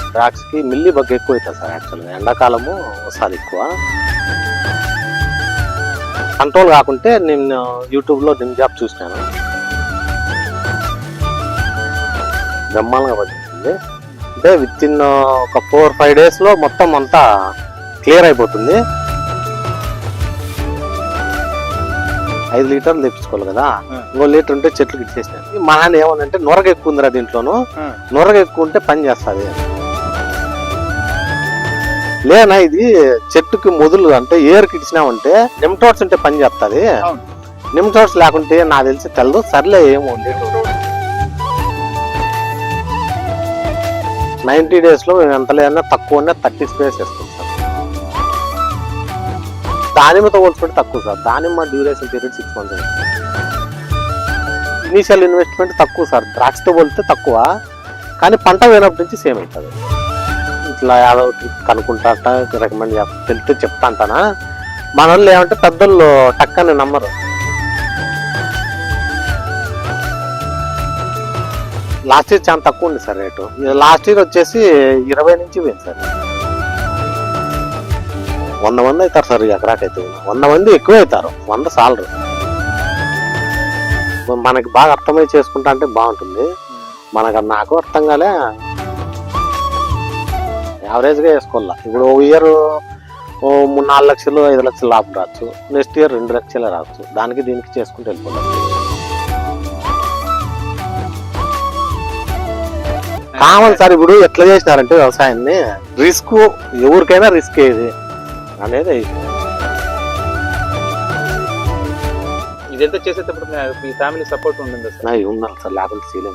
ద్రాక్ష కి mealy bug ఎక్కువ అవుతుంది సార్. యాక్చువల్గా ఎండాకాలము వస్తుంది ఎక్కువ. కంట్రోల్ కాకుంటే నేను యూట్యూబ్లో నిమ్ జాబ్ చూసినాను, బ్రహ్మాండంగా పనిచేస్తుంది. అంటే విత్ ఇన్ ఒక 4-5 డేస్లో మొత్తం అంతా క్లియర్ అయిపోతుంది. 5 లీటర్లు తెప్పించుకోవాలి కదా, ఇంకో లీటర్ ఉంటే చెట్లు ఇచ్చేసినాయి. మా నాన్న ఏమనంటే నొరగ ఎక్కువ ఉందిరా దీంట్లోనూ, నొరగ ఎక్కువ ఉంటే పని చేస్తుంది లేనా. ఇది చెట్టుకి మొదలు అంటే ఏరుకి ఇచ్చినామంటే నిమ్టోడ్స్ ఉంటే పని చేస్తుంది, నిమ్టోడ్స్ లేకుంటే నాకు తెలిసి తెలదు. సర్లే ఏమో 90 days లో ఎంత లేదన్నా తక్కువనే 30 స్ప్రేస్ వేస్తాం సార్. దానిమ్మతో పోల్చుకుంటే తక్కువ సార్. దానిమ్మ duration period 6 months. Initial investment తక్కువ సార్, ద్రాక్షతో పోలిస్తే తక్కువ, కానీ పంట పోయినప్పటి నుంచి సేమ్ అవుతుంది. ఇట్లా యాదో ట్రిప్ కనుక్కుంటా రికమెండ్ తెలిస్తే చెప్తా అంటానా. మన వాళ్ళు ఏమంటే పెద్దోళ్ళు టక్కని నమ్మరు. లాస్ట్ ఇయర్ చాలా తక్కువ ఉంది సార్ రేటు. లాస్ట్ ఇయర్ వచ్చేసి 20 నుంచి పోయింది సార్. 100 మంది అవుతారు సార్ ఎకరాకైతే. 100 మంది ఎక్కువ అవుతారు, 100 సాలరు. మనకి బాగా అర్థమై చేసుకుంటా అంటే బాగుంటుంది. నాకు అర్థం కాలే, యావరేజ్గా వేసుకోవాలా. ఇప్పుడు ఓ ఇయర్ 3-4 లక్షలు 5 లక్షలు లాభం రావచ్చు, నెక్స్ట్ ఇయర్ 2 లక్షలే రావచ్చు. దానికి దీనికి చేసుకుంటూ వెళ్ళిపోవాలి. Common sir. ఇప్పుడు ఎట్లా చేసినారంటే వ్యవసాయాన్ని రిస్క్, ఎవరికైనా రిస్క్ ఏది అనేది. ఇదంతా చేసేటప్పుడు మీ ఫ్యామిలీ సపోర్ట్ ఉంటుంది సార్? ఉండాలి సార్, లేకపోతే చేయలేము.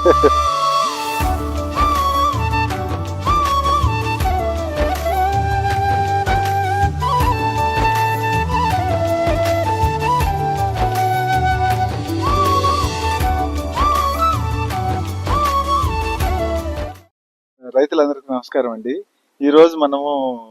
రైతులందరికీ నమస్కారం అండి. ఈ రోజు మనము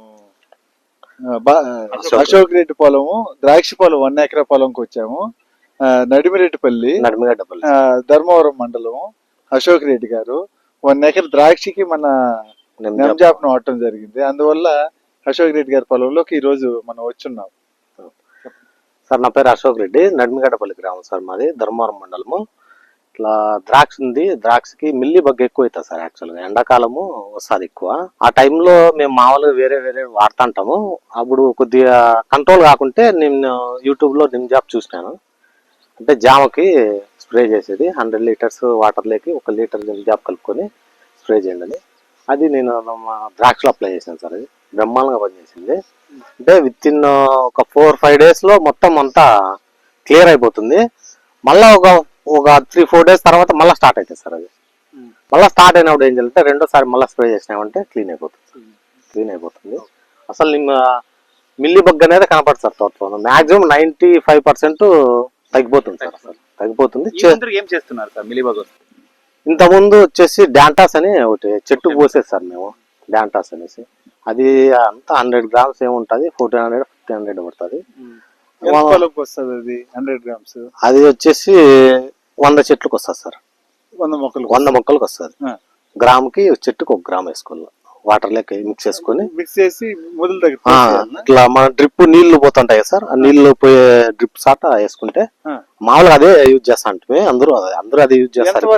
అశోక్ రెడ్డి పొలము, ద్రాక్ష పొలం 1 ఎకరా పొలంకి వచ్చాము. నడిమిరెడ్డిపల్లి, ధర్మవరం మండలము. అశోక్ రెడ్డి గారు 1 ఎకర్ ద్రాక్షకి మన నెమ్జాప్ను వాడటం జరిగింది. అందువల్ల అశోక్ రెడ్డి గారి పొలంలోకి ఈ రోజు మనం వచ్చున్నాం. సార్ నా పేరు అశోక్ రెడ్డి, నడిమిగడ్డపల్లి గ్రామం సార్ మాది, ధర్మవరం మండలము. ఇట్లా ద్రాక్ష ఉంది, ద్రాక్షకి మిల్లీ బగ్ ఎక్కువ అవుతుంది సార్. యాక్చువల్గా ఎండాకాలము వస్తుంది ఎక్కువ. ఆ టైంలో మేము మామూలుగా వేరే వాడుతుంటాము. అప్పుడు కొద్దిగా కంట్రోల్ కాకుంటే నేను యూట్యూబ్లో నిమ్ జాబ్ చూసినాను. అంటే జామకి స్ప్రే చేసేది 100 లీటర్స్ వాటర్ లేకి 1 లీటర్ నిమ్ జాబ్ కలుపుకొని స్ప్రే చేయండి అని. అది నేను ద్రాక్షలో అప్లై చేశాను సార్. అది బ్రహ్మాండంగా పనిచేసింది. అంటే విత్ ఇన్ ఒక 4-5 డేస్లో మొత్తం అంతా క్లియర్ అయిపోతుంది. మళ్ళీ ఒక 3-4 డేస్ తర్వాత మళ్ళీ స్టార్ట్ అవుతుంది సార్. అది మళ్ళీ స్టార్ట్ అయినప్పుడు ఏం చేయాలంటే రెండోసారి మళ్ళీ స్ప్రే చేసినామంటే క్లీన్ అయిపోతుంది. అసలు మిల్లీ బగ్ అనేది కనపడుతుంది సార్ తోటలో. మాక్సిమం 95% తగ్గిపోతుంది సార్. అసలు తగ్గిపోతుంది. ఏం చేస్తున్నారు సార్ మిల్లీ బగ్? ఇంతకుముందు వచ్చేసి డాంటాస్ అని ఒకటి చెట్టు పోసేది సార్ మేము, డాంటాస్ అనేసి. అది అంతా 100 grams ఏముంటుంది, 1400-1500 పడుతుంది. అది 100 grams. అది వచ్చేసి 100 చెట్లకు వస్తుంది సార్. 100 మొక్కలకు వస్తుంది. గ్రాముకి చెట్టుకు 1 గ్రామ్ వేసుకోవాలి. వాటర్ లెక్క మిక్స్ చేసి మొదలు దగ్గర ఇట్లా మన డ్రిప్ నీళ్లు పోతుంటాయి సార్. ఆ నీళ్లు పోయే డ్రిప్ సాట వేసుకుంటే మామూలుగా అదే యూజ్ చేస్తా అంటే అందరూ అదే యూజ్ చేస్తారు.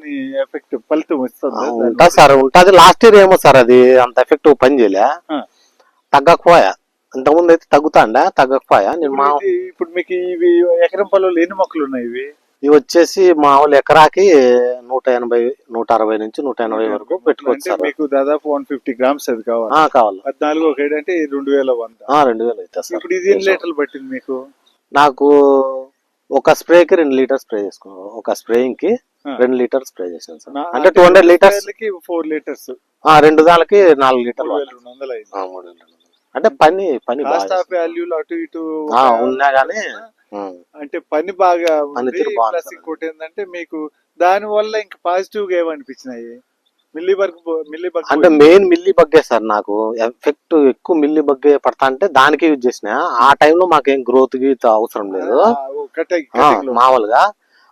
ఉంటుంది సార్, ఉంటుంది. లాస్ట్ ఇయర్ ఏమో సార్ అది అంత ఎఫెక్టివ్ పని చేయలే, తగ్గకపోయా. ఇంతకుముందు అయితే తగ్గకపోయా. ఇప్పుడు మీకు ఇవి ఎకరం పొలంలో ఎన్ని మొక్కలు ఉన్నాయి? ఇవి వచ్చేసి మామూలు ఎకరాకి 180-160 నుంచి 180 వరకు పెట్టుకోవచ్చు. మీకు దాదాపు 150 grams అది కావాలి. 14 ఒక అంటే 2100. 2000 అవుతుంది సార్. ఇప్పుడు ఇది ఎన్ని లీటర్లు పట్టింది మీకు? నాకు ఒక స్ప్రేకి 2 లీటర్స్ స్ప్రే చేసుకున్నాను. ఒక స్ప్రేయింగ్ కి 2 లీటర్స్ స్ప్రే చేశాను సార్. అంటే 200 లీటర్స్ 4 లీటర్స్, 2 దానికి 4 లీటర్లు. 3200. అంటే పని అటు ఇటు ఉన్నా గానీ అంటే పని బాగా ప్లస్ ఇంకోటి ఏంటంటే మీకు దాని వల్ల ఇంకా పాజిటివ్ గా ఏమనిపించినాయి? మిల్లీ బగ్ అంటే మెయిన్ మిల్లీ బగ్గే సార్. నాకు ఎఫెక్ట్ ఎక్కువ మిల్లీ బగ్గే పడతా అంటే దానికి యూజ్ చేసిన. ఆ టైంలో మాకేం గ్రోత్ కి అవసరం లేదు మామూలుగా.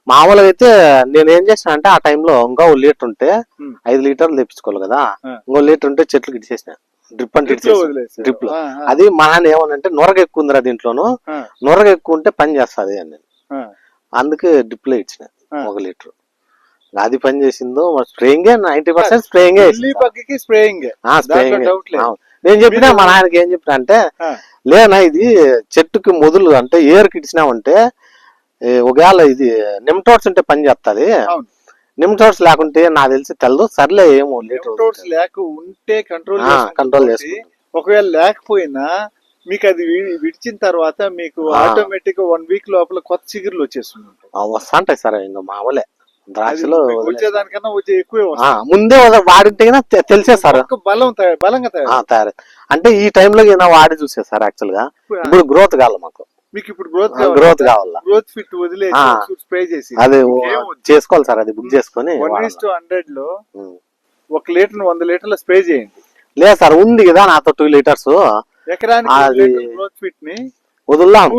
మామూలుగా అయితే నేను ఏం చేసిన అంటే ఆ టైంలో ఇంకా 1 లీటర్ ఉంటే ఉమ్. 5 లీటర్లు తెప్పించుకోవాలి కదా, ఆ. ఇంకో లీటర్ ఉంటే చెట్లకు ఇచ్చేసిన డ్రిప్ అంటే Drip లో వదిలేసారు. డ్రిప్ లో. ఆ, ఆ, అది మా నాన్న ఏమనంటే నొరగ ఎక్కువ ఉందిరా దీంట్లోను, ఆ, నొరగ ఎక్కువ ఉంటే పని చేస్తుంది అని నేను ఆ, అందుకే డ్రిప్ లో ఇచ్చిన ఆ. 1 లీటర్. అది పని చేసిందో స్ప్రేయింగే 90% స్ప్రేయింగే మిల్లీ బగ్కి స్ప్రేయింగ్ స్ప్రేయింగ్. డౌట్ లేదు. నేను చెప్పినా మీరు- మా నాన్నకి ఏం చెప్పిన అంటే ఆ, లేనా ఇది చెట్టుకి మొదలు అంటే ఏరుకి ఇచ్చినామంటే ఒకవేళ ఇది నిమ్టోడ్స్ ఉంటే పని చేస్తుంది, అవును. నిమ్టోడ్స్ లేకుంటే నాకు తెలిసి తెలదు, సర్లే ఏమో లీటర్ నెమటోడ్స్ లేక ఉంటే కంట్రోల్ కంట్రోల్ చేసుకుంటాం. ఒకవేళ లేకపోయినా మీకు అది విడిచిన తర్వాత మీకు ఆ. ఆటోమేటిక్ గా 1 వీక్ లోపల కొత్త చిగురులు వచ్చేస్తుంది. వస్తాంటాయి సార్ ఇంకా మామూలే అది ద్రాక్షలో మీకు వచ్చేదానికన్నా వచ్చే ఎక్కువే వస్తుంది. ముందే వాడింటే తెలిసే సార్ మొక్క బలంగా తయారు. తయారు. అంటే ఈ టైంలో ఏమైనా వాడి చూసే సార్ యాక్చువల్ గా ఇప్పుడు గ్రోత్ కావాలి మాకు, మీకు ఇప్పుడు గ్రోత్ గ్రోత్ కావాలా, గ్రోత్ ఫిట్ వదిలేసి ఆ. స్ప్రే చేసి అది ఇంకేం వద్దు. చేసుకోవాలి సార్, అది బుక్ చేసుకొని 1:100 లో ఉం. 1 లీటర్ 100 లీటర్ల స్ప్రే చేయండి. లేదు సార్ ఉంది కదా నాతో 2 లీటర్స్ ఎకరానికి అది 1 లీటర్ గ్రోత్ ఫిట్ ని వదులుదాం.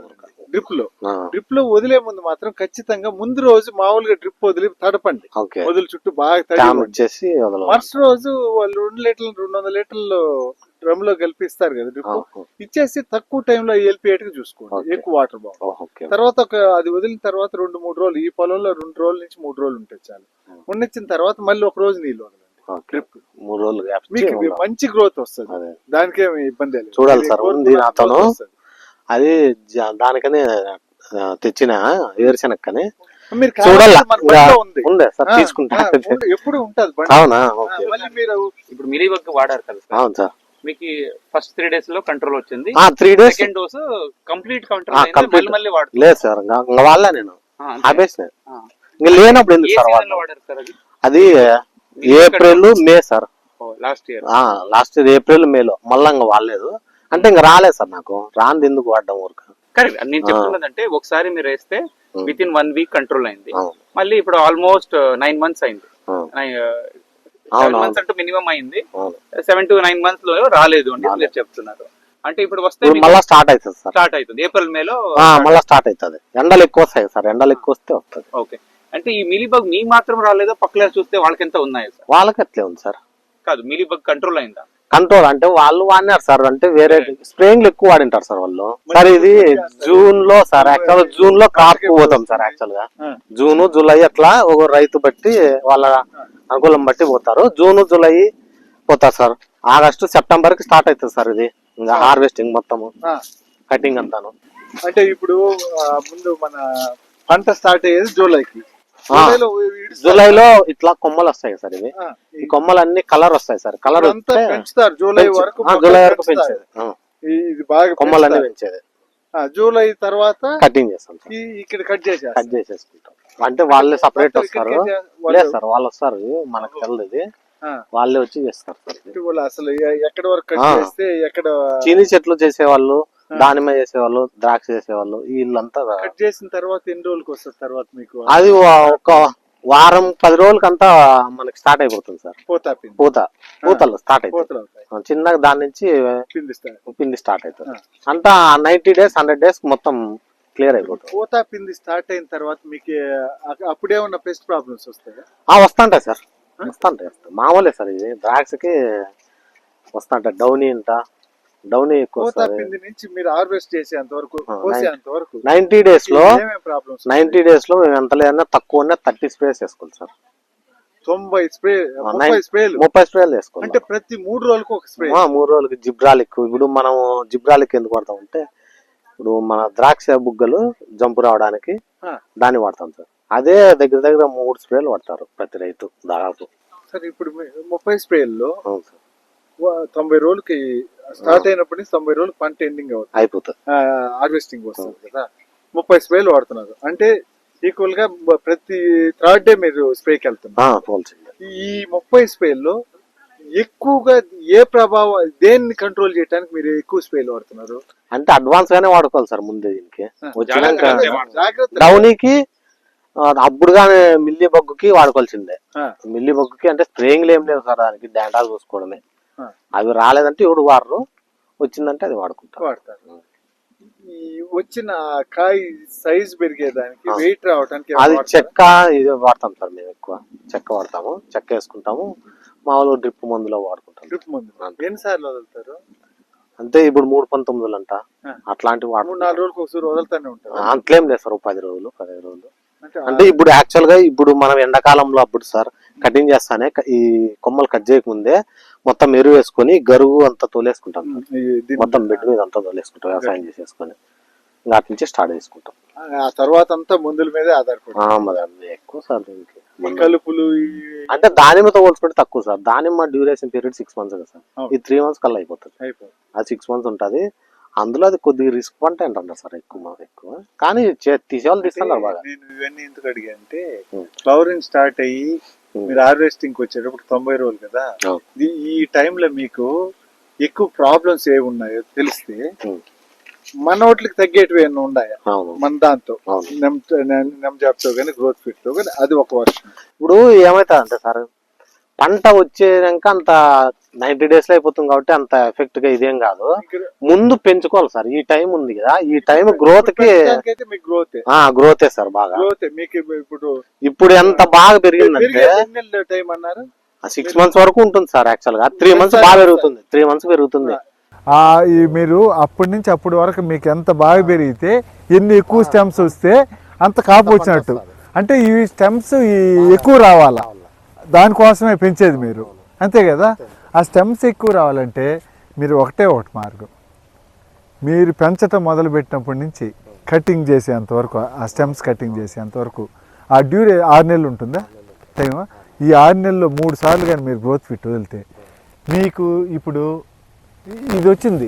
డ్రిప్ లో వదిలే ముందు మాత్రం ఖచ్చితంగా ముందు రోజు మామూలుగా డ్రిప్ వదిలి తడపండి. ఓకే వదిలి చుట్టూ బాగా ట్యామ్ తడి ఇచ్చేసి వదలం. మరుసటి రోజు వాళ్ళు 2 లీటర్లు 200 లీటర్లు డ్రమ్ లో కలిపిస్తారు కదా డ్రిప్, ఇచ్చేసి తక్కువ టైంలో వెళ్ళిపోయేట్టుగా చూసుకోండి. ఓకే. ఎక్కువ వాటర్ బాగుంది. ఓకే తర్వాత అది వదిలిన తర్వాత 2-3 రోజులు ఈ పొలంలో 2 రోజుల నుంచి 3 రోజులు ఉంటాయి చాలు. ఉండిచ్చిన తర్వాత మళ్ళీ 1 రోజు నీళ్ళు వదలండి. ఓకే. డ్రిప్ 3 రోజులు గ్యాప్ ఇచ్చి మీకు వదలం. మంచి గ్రోత్ వస్తుంది. అదే దానికేమి ఇబ్బంది లేదు. చూడాలి మీరు సార్, కోరుకున్న ఉంది నాతోను. growth వస్తది. అది దానికనే తెచ్చిన ఏరుశనక్కని మీరు చూడాల కావాలంటే మన బండిలో ఉంది. ఉండే సార్ ఆ, తీసుకుంటా. ఎప్పుడు ఉంటది బండి. అవునా ఓకే. మళ్ళీ మీరు ఇప్పుడు మిలీ బగ్ వాడారు కదా సార్, అవును సార్. మీకు ఫస్ట్ 3 days లో కంట్రోల్ వచ్చింది, 3 days second dose complete control complete. మళ్ళీ వాడుతున్నారు. లేదు సార్ ఇంకా వాళ్ళ నేను ఆ, అంతే. ఆపేసిన ఆ. ఇంకా లేనప్పుడు ఏ ఎందుకు సార్ సీజన్ లో వాడడం? వాడారు సార్ అది? అది April May sir, last year. Last year April మేలో మళ్ళా ఇంకా వాడలేదు. అంటే ఇంకా రాలేదు సార్, నాకు రాంది ఎందుకు వాడడం ఊరిక. కరెక్ట్. నేను చెప్తున్నదంటే ఒకసారి మీరు వేస్తే ఉం. విత్ ఇన్ 1 week కంట్రోల్ అయింది, అవును. మళ్ళీ ఇప్పుడు ఆల్మోస్ట్ 9 months అయింది. అవును. 7 అవును. months అంటూ మినిమం అయింది, అవును. 7 to 9 months లో రాలేదు అని మీరు చెప్తున్నారు. అంటే ఇప్పుడు వస్తే ఇప్పుడు మళ్ళా స్టార్ట్ అవుతుంది సార్, స్టార్ట్ అవుతుంది ఏప్రిల్ మేలో. మళ్ళా స్టార్ట్ అవుతుంది. ఎండలు ఎక్కువ వస్తాయి సార్, ఎండలు ఎక్కువ వస్తే వస్తుంది. ఓకే. అంటే ఈ మిలీబగ్ మీ మాత్రం రాలేదో పక్కన చూస్తే వాళ్ళకి ఎంత ఉన్నాయి సార్? వాళ్ళకి అట్లే ఉంది సార్. కాదు, మిలీబగ్ కంట్రోల్ అయిందా? కంట్రోల్ అంటే వాళ్ళు వాడినారు సార్, అంటే వేరే స్ప్రేయింగ్ ఎక్కువ వాడింటారు సార్ వాళ్ళు. సార్ ఇది జూన్ లో సార్, యాక్చువల్ జూన్ లో క్రాప్ పోతాం సార్. యాక్చువల్ గా జూన్ జూలై అట్లా ఒక రైతు బట్టి వాళ్ళ అనుకూలం బట్టి పోతారు. జూన్ జూలై పోతారు సార్. ఆగస్టు సెప్టెంబర్ కి స్టార్ట్ అవుతుంది సార్ ఇది ఇంకా హార్వెస్టింగ్ మొత్తము, కటింగ్ అంతాను. అంటే ఇప్పుడు ముందు మన పంట స్టార్ట్ అయ్యేది జూలైకి. జూలైలో ఇట్లా కొమ్మలు వస్తాయి సార్. ఇవి ఈ కొమ్మలు అన్ని కలర్ వస్తాయి సార్. కలర్ అంతా పెంచుతారు జూలై వరకు. జూలై వరకు పెంచేది, ఇది బాగా కొమ్మలన్నీ పెంచేది. జూలై తర్వాత కటింగ్ చేస్తాం సార్, ఇక్కడ కట్ చేసేసుకుంటాం. అంటే వాళ్ళే సపరేట్ వస్తారు. లేదు సార్, వాళ్ళు వస్తారు, మనకు తెలియదు ఇది, వాళ్ళే వచ్చి చేస్తారు సార్. అసలు ఎక్కడ వరకు కట్ చేస్తే ఎక్కడ చీనీ చెట్లు చేసేవాళ్ళు, దానిమ్మ చేసేవాళ్ళు, ద్రాక్ష చేసేవాళ్ళు, వీళ్ళంతా కట్ చేసిన తర్వాత ఎన్ని రోజులకి వస్తుంది తర్వాత మీకు? అది ఒక వారం 10 రోజులకంతా మనకి స్టార్ట్ అయిపోతుంది సార్. పూతలు స్టార్ట్ అవుతాయి చిన్నగా, దాని నుంచి పిండి స్టార్ట్ అవుతుంది. అంతా 90 days 100 days మొత్తం క్లియర్ అయిపోతుంది. పూత పిండి స్టార్ట్ అయిన తర్వాత మీకు అప్పుడే ఉన్న పెస్ట్ ప్రాబ్లమ్స్ వస్తాయి? వస్తుంటాయి సార్, వస్తుంటాయి. మామూలే సార్, ఇది ద్రాక్షకి వస్తుంటాయి. డౌనీ ఎక్కువ. పూత పిండి నుంచి మీరు హార్వెస్ట్ చేసేంత వరకు, కోసేంత వరకు 90 days లో ప్రాబ్లమ్స్ 90 days లో మేము ఎంత లేదన్నా తక్కువ 30 స్ప్రేస్ వేసుకోవాలి సార్. 30 స్ప్రేలు వేసుకోవాలి. అంటే ప్రతి 3 రోజులకు ఒక స్ప్రే. 3 రోజులకి జిబ్రాలిక్. ఇప్పుడు మనం జిబ్రాలిక్ ఎందుకు వాడతాం అంటే, ఇప్పుడు మన ద్రాక్ష బుగ్గలు జంపు రావడానికి దాన్ని వాడతాం సార్. అదే దగ్గర 3 స్ప్రేలు వాడతారు ప్రతి రైతు దాదాపు. సార్ ఇప్పుడు 30 స్ప్రేల్లో 90 రోజులకి స్టార్ట్ అయినప్పటి నుంచి 90 రోజులు పంట ఎండింగ్ అయిపోతుంది, హార్వెస్టింగ్ వస్తుంది కదా. 30 స్ప్రేలు వాడుతున్నారు అంటే ఈక్వల్ గా ప్రతి 3rd డే మీరు స్ప్రేకి వెళ్తున్నారు. ఈ 30 స్ప్రేల్లో ఎక్కువగా ఏ ప్రభావం, దేన్ని కంట్రోల్ చేయడానికి మీరు ఎక్కువ స్ప్రేలు వాడుతున్నారు? అంటే అడ్వాన్స్ గానే వాడుకోవాలి సార్ ముందే. దీనికి వచ్చినాక జాగ్రత్త. డౌనీకి అప్పుడుగానే మిల్లీ బగ్గుకి వాడుకోవాల్సిందే. మిల్లీ బగ్గుకి అంటే స్ప్రేయింగ్ ఏం లేవు సార్, దానికి డాండాలు చూసుకోవడమే. అవి రాలేదంటే ఇప్పుడు వాడరు, వచ్చిందంటే అది వాడతారు. ఈ వచ్చిన కాయ సైజ్ పెరిగేదానికి ఆ. వెయిట్ రావడానికి అది చెక్క ఇది వాడతాం సార్, మేము ఎక్కువ చెక్క వాడతాము, చెక్క వేసుకుంటాము, మామూలు డ్రిప్ మందులో వాడుకుంటాం. డ్రిప్ ముందు ఎన్నిసార్లు వదులుతారు? అంటే ఇప్పుడు 3-19 అంట ఆ. అట్లాంటివి 3-4 రోజులకు ఒకసారి వదులుతానే ఉంటారు. అంతలేం లేదు సార్, 10 రోజులు 15 రోజులు. అంటే అంటే ఇప్పుడు యాక్చువల్ గా ఇప్పుడు మనం ఎండాకాలంలో అప్పుడు సార్ కటింగ్ చేస్తానే ఈ కొమ్మలు కట్ చేయకముందే మొత్తం ఎరువు వేసుకొని గరువు అంతా తోలేసుకుంటాం సార్. మొత్తం బెడ్ మీద అంతా తోలేసుకుంటాం వ్యవసాయం చేసేసుకొని, ఇంకా అటు నుంచి స్టార్ట్ చేసుకుంటాం. ఆ తర్వాత అంతా మందుల మీదే ఆధారపడి మరి అవి ఎక్కువ సార్ దీనికి. కలుపులు అంటే దానిమ్మతో పోల్చుకుంటే తక్కువ సార్. దానిమ్మ డ్యూరేషన్ పీరియడ్ 6 months కదా సార్, ఈ 3 months కల్లా అయిపోతుంది. అది 6 months ఉంటది. అందులో అది కొద్దిగా రిస్క్ పంట అంటున్నారు సార్, ఎక్కువ కానీ తీసేవాళ్ళు తీస్తున్నారు బాగా. నేను ఇవన్నీ ఎందుకు అడిగా అంటే ఫ్లవరింగ్ స్టార్ట్ అయ్యి మీరు హార్వెస్టింగ్ వచ్చేటప్పుడు 90 రోజులు కదా, ఈ టైంలో మీకు ఎక్కువ ప్రాబ్లమ్స్ ఏమి ఉన్నాయో తెలిస్తే మన వాటికి తగ్గేటివి ఏమైనా ఉన్నాయా మన దాంతో నెమ్జాబ్తో కానీ గ్రోత్ ఫిట్ తో కానీ, అది ఒక వర్షం. ఇప్పుడు ఏమైతుంది అంటే సార్, పంట వచ్చేదాక అంత 90 days లో అయిపోతుంది కాబట్టి అంత ఎఫెక్ట్ గా ఇదేం కాదు. ముందు పెంచుకోవాలి సార్, ఈ టైం ఉంది కదా, ఈ టైం గ్రోత్ కి గ్రోతే సార్ బాగా. మీకు ఇప్పుడు ఎంత బాగా పెరిగిందంటే టైం అన్నారు 6 months వరకు ఉంటుంది సార్. యాక్చువల్ గా 3 months బాగా పెరుగుతుంది, 3 months పెరుగుతుంది. మీరు అప్పటి నుంచి అప్పటి వరకు మీకు ఎంత బాగా పెరిగితే ఎన్ని ఎక్కువ స్టెమ్స్ వస్తే అంత కాపు వచ్చినట్టు. అంటే ఈ స్టెమ్స్ ఎక్కువ రావాలా, దానికోసమే పెంచేది మీరు, అంతే కదా. ఆ స్టెమ్స్ ఎక్కువ రావాలంటే మీరు ఒకటే మార్గం, మీరు పెంచటం మొదలు పెట్టినప్పటి నుంచి కటింగ్ చేసేంత వరకు, ఆ స్టెమ్స్ కటింగ్ చేసేంత వరకు ఆ 6 నెలలు ఉంటుందా టైం. ఈ 6 నెలల్లో 3 సార్లు కానీ మీరు గ్రోత్ ఫిట్ వదిలితే మీకు ఇప్పుడు ఇది వచ్చింది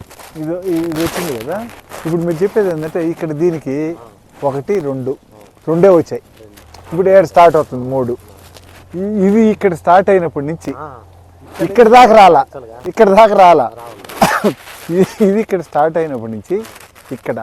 కదా. ఇప్పుడు మీరు చెప్పేది ఏంటంటే ఇక్కడ దీనికి 1, 2 వచ్చాయి. ఇప్పుడు 7 స్టార్ట్ అవుతుంది, 3. ఇది ఇక్కడ స్టార్ట్ అయినప్పటి నుంచి ఇక్కడ దాకా రాలా ఇది ఇక్కడ స్టార్ట్ అయినప్పటి నుంచి ఇక్కడ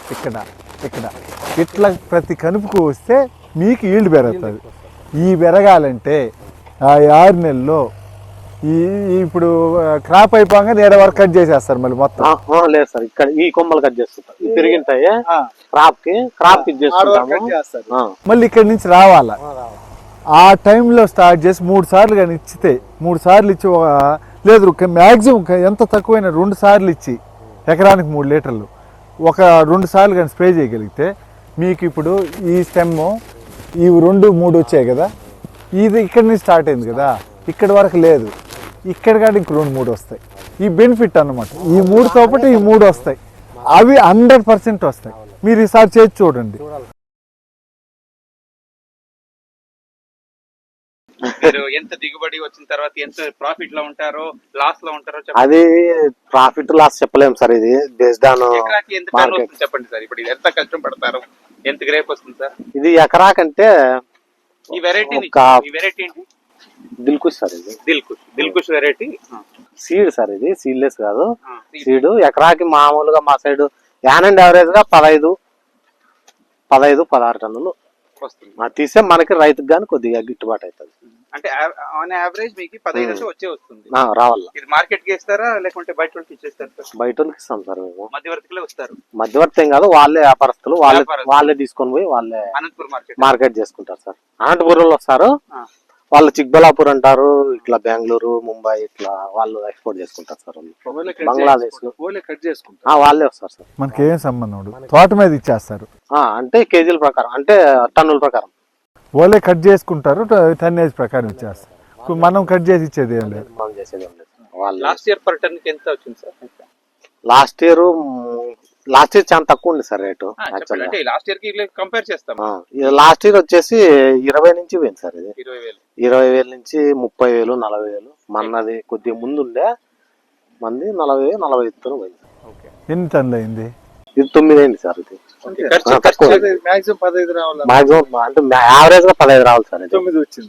ఇట్లా ప్రతి కనుపుకు వస్తే మీకు ఈల్డ్ పెరుగుతుంది. ఈ పెరగాలంటే ఆ 6 నెలల్లో ఇప్పుడు క్రాప్ అయిపోగా 7 వరకు కట్ చేసేస్తారు మళ్ళీ మొత్తం. లేదు సార్, ఇక్కడ ఈ కొమ్మలు కట్ చేస్తుంటారు, పెరిగింటాయి క్రాప్ చేస్తుంటాము. మళ్ళీ ఇక్కడ నుంచి రావాలా. ఆ టైంలో స్టార్ట్ చేసి 3 సార్లు కానీ ఇచ్చితే, 3 సార్లు ఇచ్చి లేదు మ్యాక్సిమం ఎంత తక్కువైనా 2 సార్లు ఇచ్చి ఎకరానికి 3 లీటర్లు 2 సార్లు కానీ స్ప్రే చేయగలిగితే మీకు ఇప్పుడు ఈ స్టెమ్ ఇవి 2, 3 వచ్చాయి కదా, ఇది ఇక్కడ నుంచి స్టార్ట్ అయింది కదా, ఇక్కడ వరకు లేదు, ఇక్కడ కానీ ఇంక 2, 3 వస్తాయి. ఈ బెనిఫిట్ అన్నమాట. ఈ 3తో పాటు ఈ 3 వస్తాయి, అవి 100% వస్తాయి. మీరు ఈసారి చేసి చూడండి. మీరు ఎంత దిగుబడి వచ్చిన తర్వాత ఎంత ప్రాఫిట్ లో ఉంటారో లాస్ లో ఉంటారో అది ప్రాఫిట్ లాస్ చెప్పలేము సార్. ఇది బేస్డ్ ఆన్ ఎకరాకి ఎంత టన్ వస్తుంది చెప్పండి సార్. ఇప్పుడు ఇది ఎంత కష్టం పడతారు, ఎంత గ్రేప్ వస్తుంది సార్? ఇది ఎకరాకంటే ఈ వెరైటీ ఏంటి? దిల్కుష్ సార్. ఇది దిల్కుష్ వెరైటీ సీడ్ సార్. ఇది సీడ్లెస్ కాదు, సీడ్. ఎకరాకి మామూలుగా మా సైడ్ యావరేజ్ గా 15-16 టన్నులు తీసే మనకి రైతుకు గానీ కొద్దిగా గిట్టుబాటు అవుతుంది. అంటే ఆన్ యావరేజ్ మీకు 15 వస్తుంది రావాల. ఇది మార్కెట్ కి ఇస్తారా లేకుంటే బయట వాళ్ళకి ఇచ్చేస్తారు? బయట వాళ్ళకి ఇస్తాం సార్ మేము. మధ్యవర్తిలో వస్తారు? మధ్యవర్తి ఏం కాదు, వాళ్ళే వ్యాపారస్తులు, వాళ్ళే తీసుకొని పోయి వాళ్ళే అనంతపురం మార్కెట్ చేసుకుంటారు సార్. అనంతపురంలో వస్తారు వాళ్ళు, చిక్బలాపూర్ అంటారు, ఇట్లా బెంగళూరు, ముంబై ఇట్లా వాళ్ళు ఎక్స్పోర్ట్ చేసుకుంటారు సార్. బంగ్లాదేశ్ వాళ్ళే వస్తారు సార్. మనకి ఏం సంబంధం, తోట మీద ఇచ్చేస్తారు. అంటే కేజీల ప్రకారం, అంటే టన్నుల ప్రకారం వాళ్ళే కట్ చేసుకుంటారు, టన్నేజ్ ప్రకారం ఇచ్చేస్తారు. మనం కట్ చేసి ఇచ్చేది ఏం లేదు, మనం చేసేది ఏం లేదు. వాళ్ళు లాస్ట్ ఇయర్ పర్ టన్ ఎంత వచ్చింది సార్? లాస్ట్ ఇయర్ చాలా తక్కువ ఉంది సార్ రేటు. లాస్ట్ ఇయర్ కి కంపేర్ చేస్తాం. లాస్ట్ ఇయర్ వచ్చేసి 20 నుంచి పోయింది సార్. ఇది 20,000 నుంచి 30,000, 40,000. మనది కొద్దిగా ముందు ఉండే మంది 40,000-45,000 పోయింది. ఎన్ని టన్నులు అయింది? ఇది 9 అయింది సార్. ఇది మాక్సిమం 15 రావాలి, మాక్సిమం అంటే యావరేజ్ గా 15 రావాలి సార్. 9 వచ్చింది,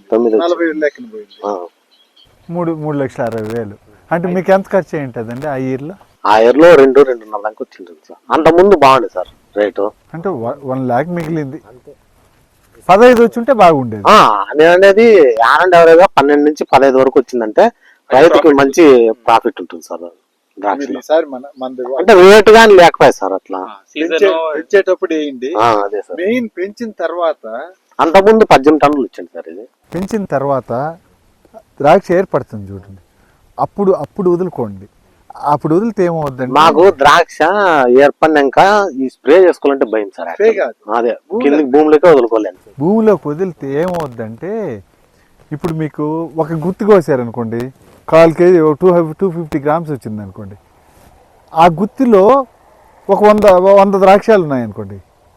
3,60,000. అంటే మీకు ఎంత ఖర్చు ఏంటండి ఆ ఇయర్ లో? ఆ ఇయర్ లో 2-2.5 లాక్ వచ్చింది సార్. అంత ముందు బాగుంది సార్ రేటు. అంటే 1 లాక్ మిగిలింది, 15 వచ్చి ఉంటే బాగుండేది. నేను అనేది యావరేజ్ గా 12 నుంచి 15 వరకు వచ్చిందంటే రైతుకి మంచి ప్రాఫిట్ ఉంటుంది సార్. ద్రాక్షలో ఈసారి మనది అంటే రేట్ గాని లేకపోయా సార్ అట్లా. సీజన్ పెంచేటప్పుడు వేయండి. అదే సార్. మెయిన్ పెంచిన తర్వాత అంతకుముందు 18 టన్నులు ఇచ్చింది సార్ ఇది. పెంచిన తర్వాత ద్రాక్ష ఏర్పడుతుంది చూడండి, అప్పుడు వదులుకోండి. అప్పుడు వదిలితే ఏమవుద్దండి, మాకు ద్రాక్ష ఏర్పడినాక ఈ స్ప్రే చేసుకోవాలంటే భయం సార్. స్ప్రే కాదు, అదే కిందికి భూమిలోకి వదులుకోలేను. భూమిలోకి వదిలితే ఏమవుద్దంటే ఇప్పుడు మీకు ఒక గుత్తి కోసారనుకోండి, 1/4 కేజీ 250 గ్రామ్స్ వచ్చింది అనుకోండి, ఆ గుత్తిలో ఒక 100 ద్రాక్షాలు ఉన్నాయనుకోండి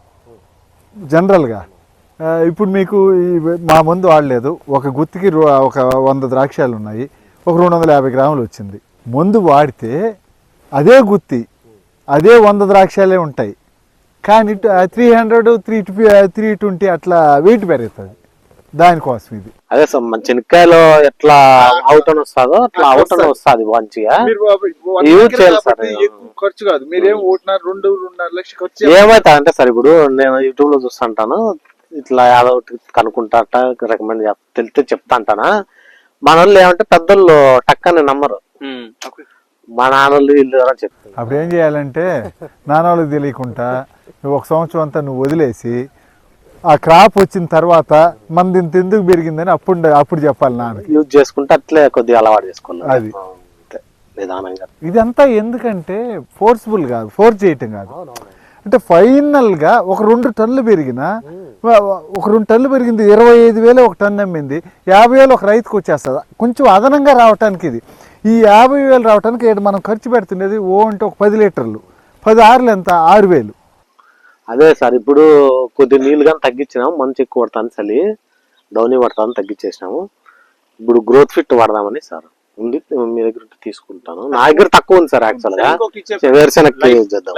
జనరల్గా. ఇప్పుడు మీకు మా మందు వాడలేదు, ఒక గుత్తికి ఒక 100 ద్రాక్షాలు ఉన్నాయి, ఒక 250 గ్రాములు వచ్చింది. మందు వాడితే అదే గుత్తి అదే 100 ద్రాక్షాలే ఉంటాయి, కానీ 300 320 అట్లా వెయిట్ పెరుగుతుంది. దానికోసం ఇది. అదే సార్ మన చెనక్కాయలో ఎట్లా అవుటన్ వస్తుందో అట్లా అవుటన్ వస్తుంది మంచిగా. యూజ్ చేయాలి సార్. ఎక్కువ ఖర్చు కాదు, మీరేం 2.5 లక్షలు ఖర్చు. ఏమైతే అంటే సార్ ఇప్పుడు నేను యూట్యూబ్ లో చూస్తుంటాను, ఇట్లా ఏదో కనుక్కుంటా రికమెండ్ తెలితే చెప్తా అంటానా. మన వాళ్ళు ఏమంటే పెద్దోళ్ళు టక్కని నమ్మరు, మా నాన్నోళ్ళు వీళ్ళు చెప్తారు. అప్పుడు ఏం చేయాలంటే నాన్నోళ్ళకి తెలియకుండా నువ్వు 1 సంవత్సరం అంతా నువ్వు వదిలేసి ఆ క్రాప్ వచ్చిన తర్వాత మనది ఇంత ఎందుకు పెరిగిందని అప్పుడు చెప్పాలి నాన్నకి. యూజ్ చేసుకుంటే అట్లే కొద్దిగా అలవాటు చేసుకోవాలి అది నిదానంగా. ఇదంతా ఎందుకంటే ఫోర్స్ఫుల్ కాదు, ఫోర్స్ చేయటం కాదు. అంటే ఫైనల్గా ఒక 2 టన్నులు పెరిగినా, ఒక 2 టన్నులు పెరిగింది 25,000 ఒక టన్ను అమ్మింది, 50,000 ఒక రైతుకు వచ్చేస్తుంది. కొంచెం అదనంగా రావటానికి ఇది. ఈ 50,000 రావటానికి మనం ఖర్చు పెడుతుండేది అంటే ఒక 10 లీటర్లు, 10 ఆరులు ఎంత 6,000. అదే సార్ ఇప్పుడు కొద్ది నీళ్ళు కానీ తగ్గించినాము, మంచి ఎక్కువ పడతాను, చలి డౌనీ పడతాను తగ్గించేసినాము. ఇప్పుడు గ్రోత్ ఫిట్ వాడదామని సార్ ఉంది, మీ దగ్గర తీసుకుంటాను. నా దగ్గర తక్కువ ఉంది సార్ యాక్చువల్ గా, వేరుశెనగ యూజ్ చేద్దాం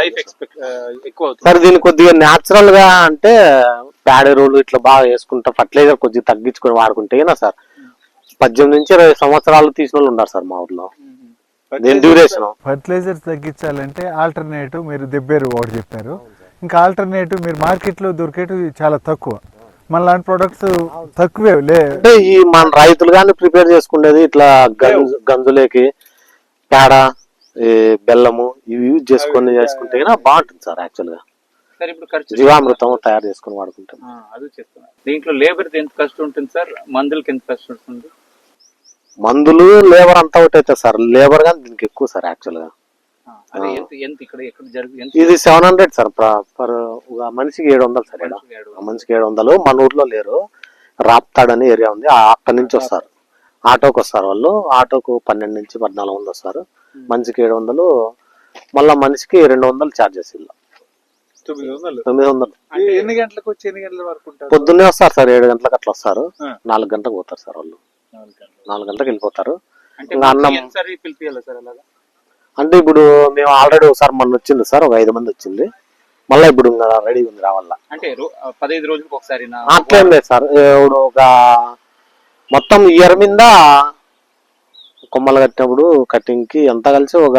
సార్. దీన్ని కొద్దిగా న్యాచురల్ గా అంటే ప్యాడ్ ఎరువులు ఇట్లా బాగా వేసుకుంటా, ఫర్టిలైజర్ కొద్దిగా తగ్గించుకొని వాడుకుంటేనా సార్ 18 నుంచి 20 సంవత్సరాలు తీసిన వాళ్ళు ఉన్నారు సార్ మా ఊర్లో. డ్యూరేషన్ ఫర్టిలైజర్స్ తగ్గించాలంటే ఆల్టర్నేటివ్ మీరు దెబ్బేరు ఒకటి చెప్పారు, ఇంకా ఆల్టర్నేటివ్ మీరు మార్కెట్లో దొరికేటివి చాలా తక్కువ, మన లాంటి ప్రొడక్ట్స్ తక్కువే అంటే ఈ మన రైతులు కానీ ప్రిపేర్ చేసుకునేది ఇట్లా గంజులేకి పేడ బెల్లము ఇవి యూజ్ చేసుకుంటే బాగుంటుంది సార్ యాక్చువల్ గా. జీవామృతం తయారు చేసుకుని వాడుకుంటాం. అది చేస్తున్నారు. దీంట్లో లేబర్ ఎంత ఖర్చు ఉంటుంది సార్, మందులకి ఎంత ఖర్చు ఉంటుంది? మందులు లేబర్ అంతా ఒకటి అవుతుంది సార్, లేబర్ కానీ దీనికి ఎక్కువ సార్ యాక్చువల్ గా. ఇది 700 సార్ పర్ మనిషికి 700 సార్. మనిషికి 700. మన ఊర్లో లేరు, రాప్తాడని ఏరియా ఉంది, అక్కడి నుంచి వస్తారు, ఆటోకి వస్తారు వాళ్ళు. ఆటోకు 12 నుంచి 14 మంది వస్తారు, మనిషికి 700. మళ్ళా మనిషికి 200 ఛార్జెస్. 900. ఎన్ని గంటలకు వచ్చి ఎన్ని గంటల వరకు ఉంటారు? పొద్దున్నే వస్తారు సార్, 7 గంటలకు అట్లా వస్తారు, 4 గంటలకు పోతారు సార్ వాళ్ళు. 4 గంటలకు వెళ్ళిపోతారు. అన్నం అంటే ఇప్పుడు మేము ఆల్రెడీ ఒకసారి మొన్న వచ్చింది సార్, ఒక 5 మంది వచ్చింది, మళ్ళీ ఇప్పుడు రెడీ ఉంది రావాల. అంటే 15 రోజులకు ఒకసారి అట్లేం లేదు సార్. ఇప్పుడు ఒక మొత్తం ఇయర్ మీద కొమ్మలు కట్టినప్పుడు కటింగ్ కి ఎంత కలిసి ఒక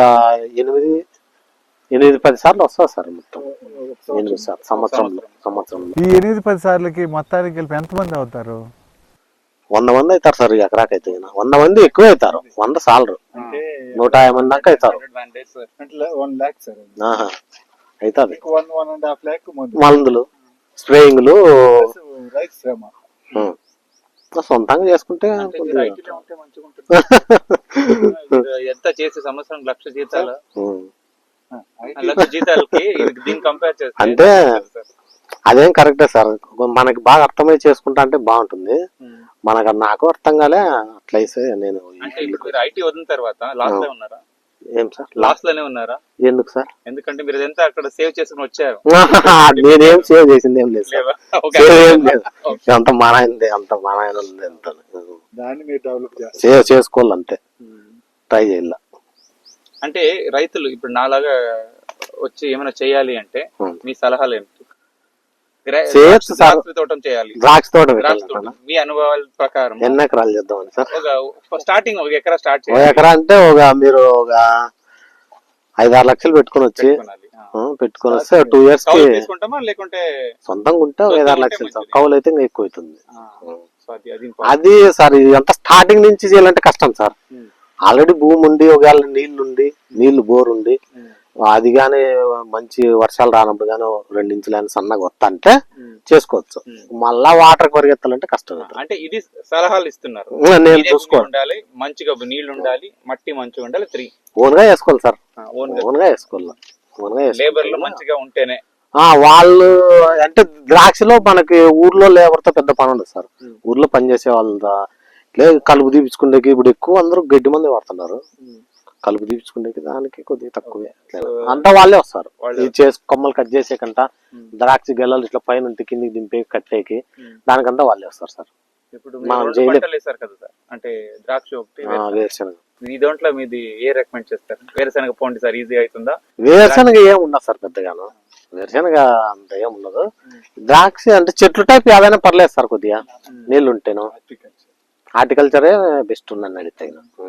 8-10 సార్లు వస్తుంది సార్. మొత్తం 8 సార్ సంవత్సరంలో. ఈ 8-10 సార్లకి మొత్తానికి కలిపి ఎంతమంది అవుతారు? 100 మంది అవుతారు సార్. ఎకరాకైతే 100 మంది ఎక్కువ అవుతారు, 100 సార్లు 150 మంది దాకా అవుతారు. 1 lakh సార్ అవుతుంది. 1.5 lakh మందులు స్ప్రేయింగ్లు రైతు శ్రమ సొంతంగా చేసుకుంటే ఎంత చేసే సంవత్సరం 1,00,000 జీతాలు, 1,00,000 జీతాలకి దీన్ని కంపేర్ చేస్తే అంటే అదేం కరెక్టే సార్. మనకి బాగా అర్థమై చేసుకుంటా అంటే బాగుంటుంది. నాకు అర్థం కాలే అట్లయితే నేను. అంటే మీరు ఐటీ వదిలిన తర్వాత లాస్ట్ లో ఉన్నారా? ఏం సార్ లాస్ట్ లోనే ఉన్నారా? ఎందుకు సార్? ఎందుకంటే మీరు ఎంత అక్కడ సేవ్ చేసుకుని వచ్చారు. నేనేం సేవ్ చేసింది ఏం లేదు, అంత మానాయింది, అంత మానాయన దాన్ని మీరు డెవలప్ సేవ్ చేసుకోవాలి అంతే, ట్రై చేయాల. అంటే రైతులు ఇప్పుడు నాలాగా వచ్చి ఏమైనా చేయాలి అంటే మీ సలహాలు ఏమిటి? ద్రాక్ష తోట మీ అనుభవాల ప్రకారం ఎన్ని ఎకరాలు చేద్దామని సార్? స్టార్టింగ్ 1 ఎకరా స్టార్ట్ చేయాలి. 1 ఎకరా అంటే మీరు ఒక 5-6 లక్షలు పెట్టుకొని వస్తే 2 years కి లేకుంటే సొంతంగా ఉంటే 5-6 లక్షలు. కౌలు అయితే ఇంకా ఎక్కువ అవుతుంది. అది సార్ ఎంత స్టార్టింగ్ నుంచి చేయాలంటే కష్టం సార్. ఆల్రెడీ భూమి ఉండి ఒకవేళ నీళ్లు బోర్ ఉండి అది గానీ మంచి వర్షాలు రానప్పుడు గానీ 2 ఇంచులైన సన్నగా వస్తా అంటే చేసుకోవచ్చు. మళ్ళా వాటర్ పరిగెత్తాలంటే కష్టం. అంటే ఇది సలహాలు ఇస్తున్నారు, నేను ఇదే చూసుకోవాలి. భూమి ఉండాలి, మంచిగా నీళ్లు ఉండాలి, మట్టి మంచిగా ఉండాలి. 3 ఓన్ గా వేసుకోవాలి సార్, ఓన్ ఓన్ గా వేసుకోవాలి. లేబర్లు మంచిగా ఉంటేనే. వాళ్ళు అంటే ద్రాక్షలో మనకి ఊర్లో లేబర్ తో పెద్ద పని ఉండదు సార్. ఊర్లో పనిచేసే వాళ్ళ లేదు కలుపు తీపించుకునేకి ఇప్పుడు ఎక్కువ అందరూ గడ్డి మంది వాడుతున్నారు. కలుపు తీపించుకునేకి దానికి కొద్దిగా తక్కువే అంతా వాళ్ళే వస్తారు. కొమ్మలు కట్ చేసేకంట ద్రాక్ష గెల్లలు ఇట్లా పైన ఉంటే కిందికి దింపే కట్టేకి దానికంతా వాళ్ళే వస్తారు సార్. ఇప్పుడు మనం వేసారు కదా సార్, అంటే ద్రాక్ష ఒకటి వేరుశనగ. ఈ దాంట్లో మీది ఏ రికమెండ్ చేస్తారు? వేరుశనగ పోండి సార్, ఈజీ అవుతుందా? వేరుశనగ ఏం ఉండదు సార్ పెద్దగాను, వేరుశనగ అంత ఏం ఉండదు. ద్రాక్ష అంటే చెట్లు టైప్ ఏదైనా పర్లేదు సార్, కొద్దిగా నీళ్లు ఉంటేను. హార్టికల్చరే బెస్ట్ ఉందని అడిగితే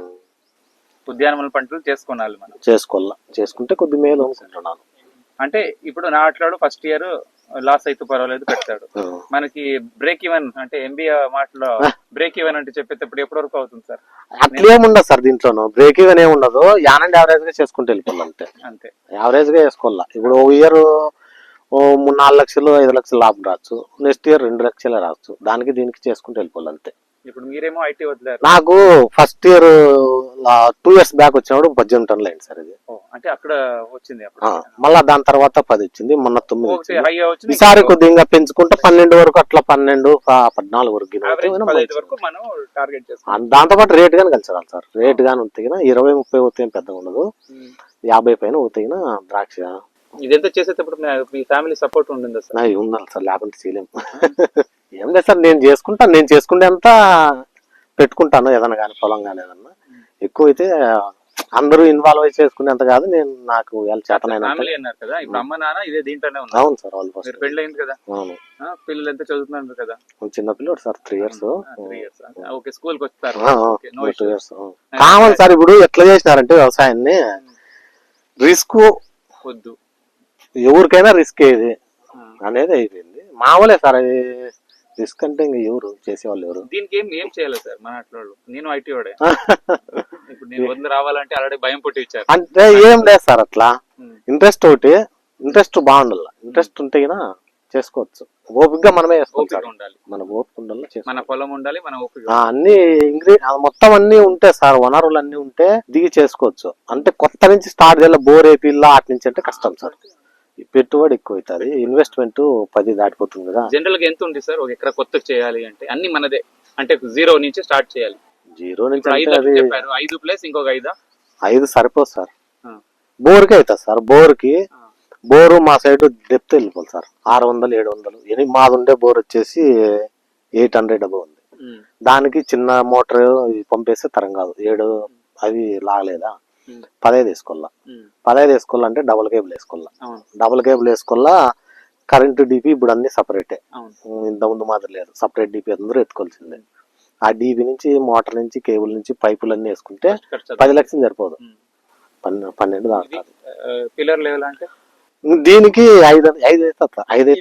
ఉద్యానవన పంటలు చేసుకోవాలి మనం. చేసుకుంటే కొద్ది మేలు అనుకుంటున్నాను. అంటే ఇప్పుడు నాట్లాడు ఫస్ట్ ఇయర్ లాస్ అయితే పర్వాలేదు పెడతాడు, మనకి బ్రేక్ ఈవెన్ అంటే ఎంబీఏ మాటలో బ్రేక్ ఈవెన్ అంటే చెప్పేటప్పుడు ఎప్పటి వరకు అవుతుంది సార్? అట్లేముండదు సార్, దీంట్లోనూ బ్రేక్ ఈవెన్ ఏముండదు. యానండి యావరేజ్ గా చేసుకుంటూ వెళ్ళిపోవాలి అంతే. యావరేజ్ గా వేసుకోవాలా. ఇప్పుడు ఓ ఇయర్ 3-4 లక్షలు 5 లక్షలు లాభం రావచ్చు, నెక్స్ట్ ఇయర్ 2 లక్షలే రావచ్చు. దానికి దీనికి చేసుకుంటూ వెళ్ళిపోవాలి అంతే. ఇప్పుడు మీరేమో ఐటీ వదిలేరు. నాకు ఫస్ట్ ఇయర్ 2 years బ్యాక్ వచ్చినప్పుడు 18 టన్నులు అయింది సార్ ఇది. అంటే అక్కడ వచ్చింది. మళ్ళా దాని తర్వాత 10 వచ్చింది, మొన్న 9 వచ్చింది. ఈసారి కొద్దిగా పెంచుకుంటే 12 వరకు అట్లా 12-14 వరకు మనం టార్గెట్ చేస్తాం. దాంతో పాటు రేట్ గానీ కలిసి సార్. రేట్ గానీ ఉత్తిగిన 20-30 ఉత్తిగిన పెద్దగా ఉండదు, 50 పైన ఉత్తిగిన ద్రాక్ష. ఇదంతా చేసేటప్పుడు మీ ఫ్యామిలీ సపోర్ట్ ఉండిందా సార్? ఉండాలి సార్, లేకుంటే చేయలేము. ఏం లేదు సార్, నేను చేసుకుంటే అంతా పెట్టుకుంటాను. ఏదన్నా కానీ పొలం కానీ ఏదన్నా ఎక్కువ అయితే అందరూ ఇన్వాల్వ్ అయి చేసుకునేంత కాదు. నేను నాకు చేతనైనా. కదా ఇప్పుడు అమ్మ నాన్న ఇదే దీంట్లోనే ఉన్నారు. అవును సార్, వాళ్ళు ఫస్ట్ పెళ్ళి అయింది కదా. అవును. పిల్లలు ఎంత చదువుతున్నారు కదా? చిన్న పిల్లడు సార్, 3 years. ఓకే, స్కూల్ కి వస్తారు. 2 years కావాలి సార్. ఇప్పుడు ఎట్లా చేసినారంటే వ్యవసాయాన్ని రిస్క్ వద్దు, ఎవరికైనా రిస్క్ ఏది అనేది అయిపోయింది. మామూలే సార్ అది. రిస్క్ అంటే ఇంకా ఎవరు చేసేవాళ్ళు ఎవరు? దీనికి ఏం చేయాలి సార్ మన అట్లా? నేను ఐటీ వాడే. ఇప్పుడు నేను వదిలి రావాలంటే ఆల్రెడీ భయం పుట్టి ఇచ్చారు. అంటే ఏం లేదు సార్, అట్లా ఇంట్రెస్ట్ ఒకటి, ఇంట్రెస్ట్ బాగుండాల. ఇంట్రెస్ట్ ఉంటే చేసుకోవచ్చు. ఓపికగా మనమే చేసుకోవాలి. మన ఓపిక ఉండాలి, మన పొలం ఉండాలి, మన ఓపిక. అన్ని మొత్తం అన్ని ఉంటే సార్, వనరులు అన్ని ఉంటే దిగి చేసుకోవచ్చు. అంటే కొత్త నుంచి స్టార్ట్ చేయాలి, బోర్ ఏపీలా అటు నుంచి అంటే కష్టం సార్. పెట్టుబడి ఎక్కువ అవుతుంది, ఇన్వెస్ట్మెంట్ 10 దాటిపోతుంది కదా. జనరల్ గా ఎంత ఉంది సార్ ఒక ఎకరా కొత్తగా చేయాలి అంటే? అన్ని మనదే అంటే 0 నుంచి స్టార్ట్ చేయాలి. 0 నుంచి 5 ప్లస్ ఇంకొక 5 సరిపోదు సార్. బోర్కి అవుతుంది సార్. బోరు మా సైడ్ డెప్త్ వెళ్ళిపోవాలి సార్. 600-700. మాది ఉండే బోర్ వచ్చేసి 800 అబౌ ఉంది. దానికి చిన్న మోటార్ పంపేస్తే తరం కాదు. 7 అవి లాగలేదా, 15 వేసుకోవాలా. 15 వేసుకోవాలంటే డబుల్ కేబుల్ వేసుకోవాలా. కరెంటు డిపి ఇప్పుడు అన్ని సపరేటే, ఇంత ముందు మాత్రం లేదు. సపరేట్ డిపి అందరూ ఎత్తుకోవాల్సిందే. ఆ డిపి నుంచి, మోటార్ నుంచి, కేబుల్ నుంచి పైపులు అన్ని వేసుకుంటే 10 లక్షలు సరిపోదు, 12 దాటుతుంది. పిల్లర్ లెవెల్ అంటే దీనికి 5 అవుతుంది. 5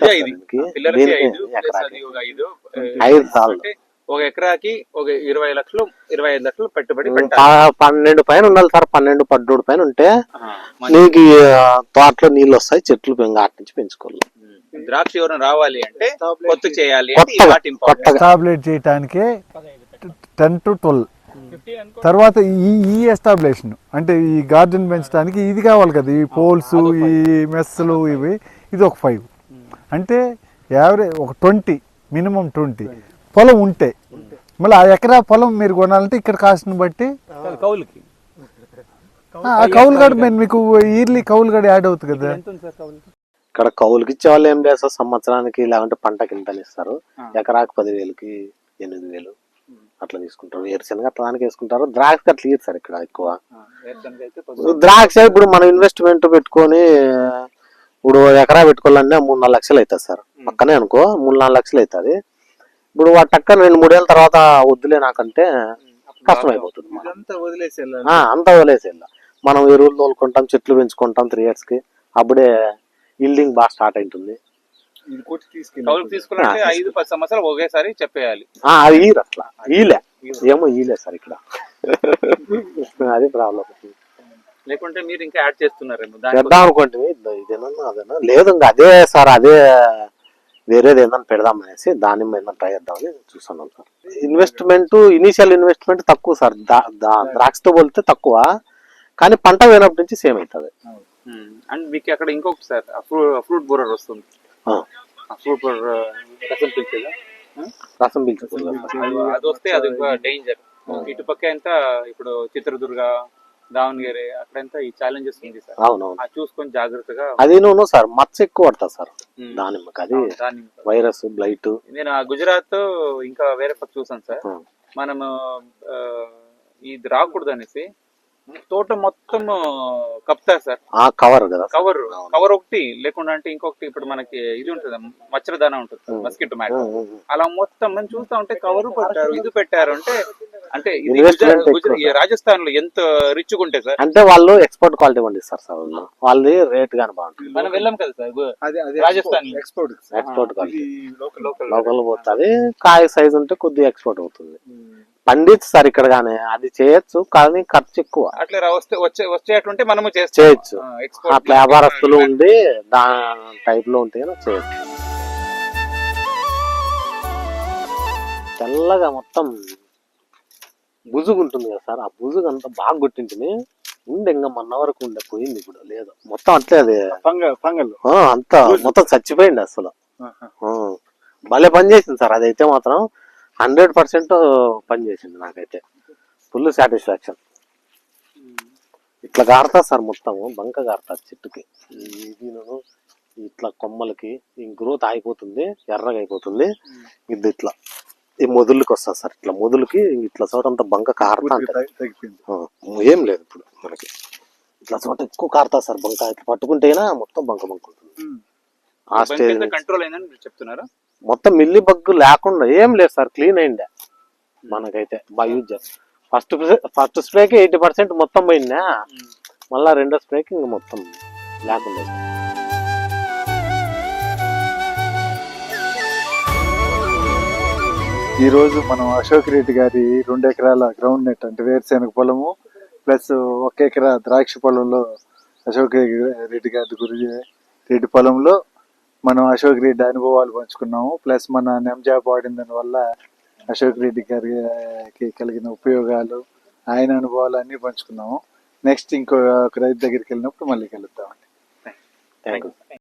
చాలు. ఒక ఎకరాకి ఒక 20 లక్షలు 25 లక్షలు పెట్టుబడి 12 పైన ఉండాలి సార్. 12-13 పైన ఉంటే నీకు తోటలో నీళ్ళు వస్తాయి, చెట్లు అటు నుంచి పెంచుకోవాలి. ద్రాక్ష ఎవరైనా రావాలి అంటే కొత్త చేయాలి, ఎస్టాబ్లిష్ చేయడానికి 10 to 12. తర్వాత ఈ ఎస్టాబ్లిషన్ అంటే ఈ గార్డెన్ పెంచడానికి ఇది కావాలి కదా, ఈ పోల్స్, ఈ మెస్సులు, ఇది ఒక 5. అంటే యావరేజ్ ఒక 20, మినిమం 20 పొలం ఉంటే. మళ్ళీ ఆ ఎకరా పొలం మీరు కొనాలంటే ఇక్కడ కాస్ట్ని బట్టి కౌలుకి ఆ కౌలు గడ మీకు ఇయర్లీ కౌలు గడ యాడ్ అవుతుంది కదా. ఇక్కడ కౌలుకి ఇచ్చే వాళ్ళు ఏం చేస్తారు, సంవత్సరానికి లేకుంటే పంటకి ఇంత ఇస్తారు. ఎకరాకి 10,000కి 8,000 అట్లా తీసుకుంటారు. వేరుశనగ అట్లా దానికి వేసుకుంటారు. ద్రాక్ష అట్లా ఇయ్యరు సార్ ఇక్కడ ఎక్కువ. ద్రాక్ష ఇప్పుడు మనం ఇన్వెస్ట్మెంట్ పెట్టుకొని ఇప్పుడు ఎకరా పెట్టుకోవాలంటే 3-4 లక్షలు అవుతుంది సార్. పక్కనే అనుకో 3-4 లక్షలు అవుతుంది. ఇప్పుడు వాటి టక్క 2-3 ఏళ్ళ తర్వాత వద్దులే నాకంటే కష్టం అయిపోతుంది. అంతా వదిలేసి మనం ఎరువులు తోలుకుంటాం, చెట్లు పెంచుకుంటాం 3 years కి. అప్పుడే ఇల్డింగ్ బాగా స్టార్ట్ అవుతుంది. తీసుకున్నట్టే 5-10 సంవత్సరాలు ఒకేసారి చెప్పేయాలి. అది అట్లా ఈలే సార్ ఇక్కడ. అది ప్రాబ్లం. లేకుంటే మీరు ఇంకా యాడ్ చేస్తున్నారేమో దాని చేద్దాం అనుకోండి, ఇదేనా అదేనా లేదు, ఇంకా అదే సార్, అదే వేరేది ఏదైనా పెడదాం అనేసి దానిమ్మ ఏదైనా ట్రై చేద్దామని చూస్తున్నాం సార్. ఇన్వెస్ట్మెంట్, ఇనీషియల్ ఇన్వెస్ట్మెంట్ తక్కువ సార్, ద్రాక్షతో పోలితే తక్కువ, కానీ పంట పోయినప్పటి నుంచి సేమ్ అవుతుంది. అండ్ మీకు అక్కడ ఇంకొకటి సార్ ఫ్రూట్ బోరర్ వస్తుంది. ఫ్రూట్ బోరర్ రసం పీల్చేదా? రసం పీల్చుకోవాలి. అది వస్తే అది డేంజర్. ఇటుపక్క ఎంత ఇప్పుడు చిత్రదుర్గ, దావణగిరి అక్కడంతా ఈ ఛాలెంజెస్ ఉంది సార్. అవునవును, అది చూసుకొని జాగ్రత్తగా. అది నువ్వు సార్ మచ్చ ఎక్కువ పడుతుంది సార్ దానిమ్మకి, అది దాన్ని వైరస్ బ్లైట్. నేను గుజరాత్ ఇంకా వేరే పక్క చూసాను సార్. మనము ఇది రాకూడదు అనేసి తోట మొత్తం కప్తారు సార్. కవర్ కదా, కవర్ ఒకటి లేకుండా అంటే ఇంకొకటి ఇప్పుడు మనకి ఇది ఉంటుంది, మచ్చరదాన ఉంటుంది, మస్కిటో మ్యాట్, అలా మొత్తం మనం చూస్తా ఉంటే కవర్ పెట్టారు, ఇది పెట్టారు అంటే అంటే రాజస్థాన్ లో ఎంత రిచ్ గా ఉంటాయి సార్. అంటే వాళ్ళు ఎక్స్పోర్ట్ క్వాలిటీ పండిస్తారు సార్, వాళ్ళది రేట్ గానీ బాగుంటుంది. మనం వెళ్ళాం కదా sir Rajasthan, export quality local పోతుంది. కాయ సైజ్ ఉంటే కొద్దిగా ఎక్స్పోర్ట్ అవుతుంది. పండించు సార్ ఇక్కడ గానీ, అది చేయొచ్చు కానీ ఖర్చు ఎక్కువ. అట్లా వచ్చేటుంటే మనము చేయొచ్చు, అట్లా వ్యాపారస్తులు ఉండి దాని టైప్ లో ఉంటే చేయొచ్చు. తెల్లగా మొత్తం బుజుగు ఉంటుంది కదా సార్, ఆ బుజుగు అంతా బాగా కొట్టింటిని ఉండే, ఇంకా మొన్న వరకు ఉండే, పోయింది ఇప్పుడు లేదు, మొత్తం అట్లే అది అంతా మొత్తం చచ్చిపోయింది అసలు. భలే పని చేసింది సార్ అదైతే మాత్రం, 100% పని చేసింది, నాకైతే ఫుల్ సాటిస్ఫాక్షన్. ఇట్లా గారుతా సార్ మొత్తము, బంక గారుతారు చెట్టుకి, ఇట్లా కొమ్మలకి గ్రోత్ ఆగిపోతుంది, ఎర్రగా అయిపోతుంది. ఇది ఇట్లా ఈ మొదలుకి వస్తుంది సార్, ఇట్లా మొదలుకి ఇట్లా చోట అంతా బంక కారుతా ఏం లేదు ఇప్పుడు మనకి, ఇట్లా చోట ఎక్కువ కారుతా సార్ బంక, ఇట్లా పట్టుకుంటేనా మొత్తం బంక బంక ఉంటుంది. ఆ స్టేజ్ కంట్రోల్ అయిందని చెప్తున్నారా? మొత్తం మిల్లి బగ్గు లేకుండా ఏం లేదు సార్, క్లీన్ అయిందే మనకైతే బాగా యూజ్ చేస్తాం. ఫస్ట్ స్ప్రేకి 80% మొత్తం పోయిందా, మళ్ళా రెండో స్ప్రేకి ఇంకా మొత్తం లేకుండా. ఈ రోజు మనం అశోక్ రెడ్డి గారి 2 ఎకరాల గ్రౌండ్ నెట్ అంటే వేరుశెనగ పొలము ప్లస్ 1 ఎకరా ద్రాక్ష పొలంలో అశోక్ రెడ్డి గారి రెడ్డి పొలంలో మనం అశోక్ రెడ్డి అనుభవాలు పంచుకున్నాము. ప్లస్ మన నెమ్జాబ్ వాడిన దాని వల్ల అశోక్ రెడ్డి గారికి కలిగిన ఉపయోగాలు, ఆయన అనుభవాలు అన్ని పంచుకున్నాము. నెక్స్ట్ ఇంకో రైతు దగ్గరికి వెళ్ళినప్పుడు మళ్ళీ కలుద్దామండి. Thank you.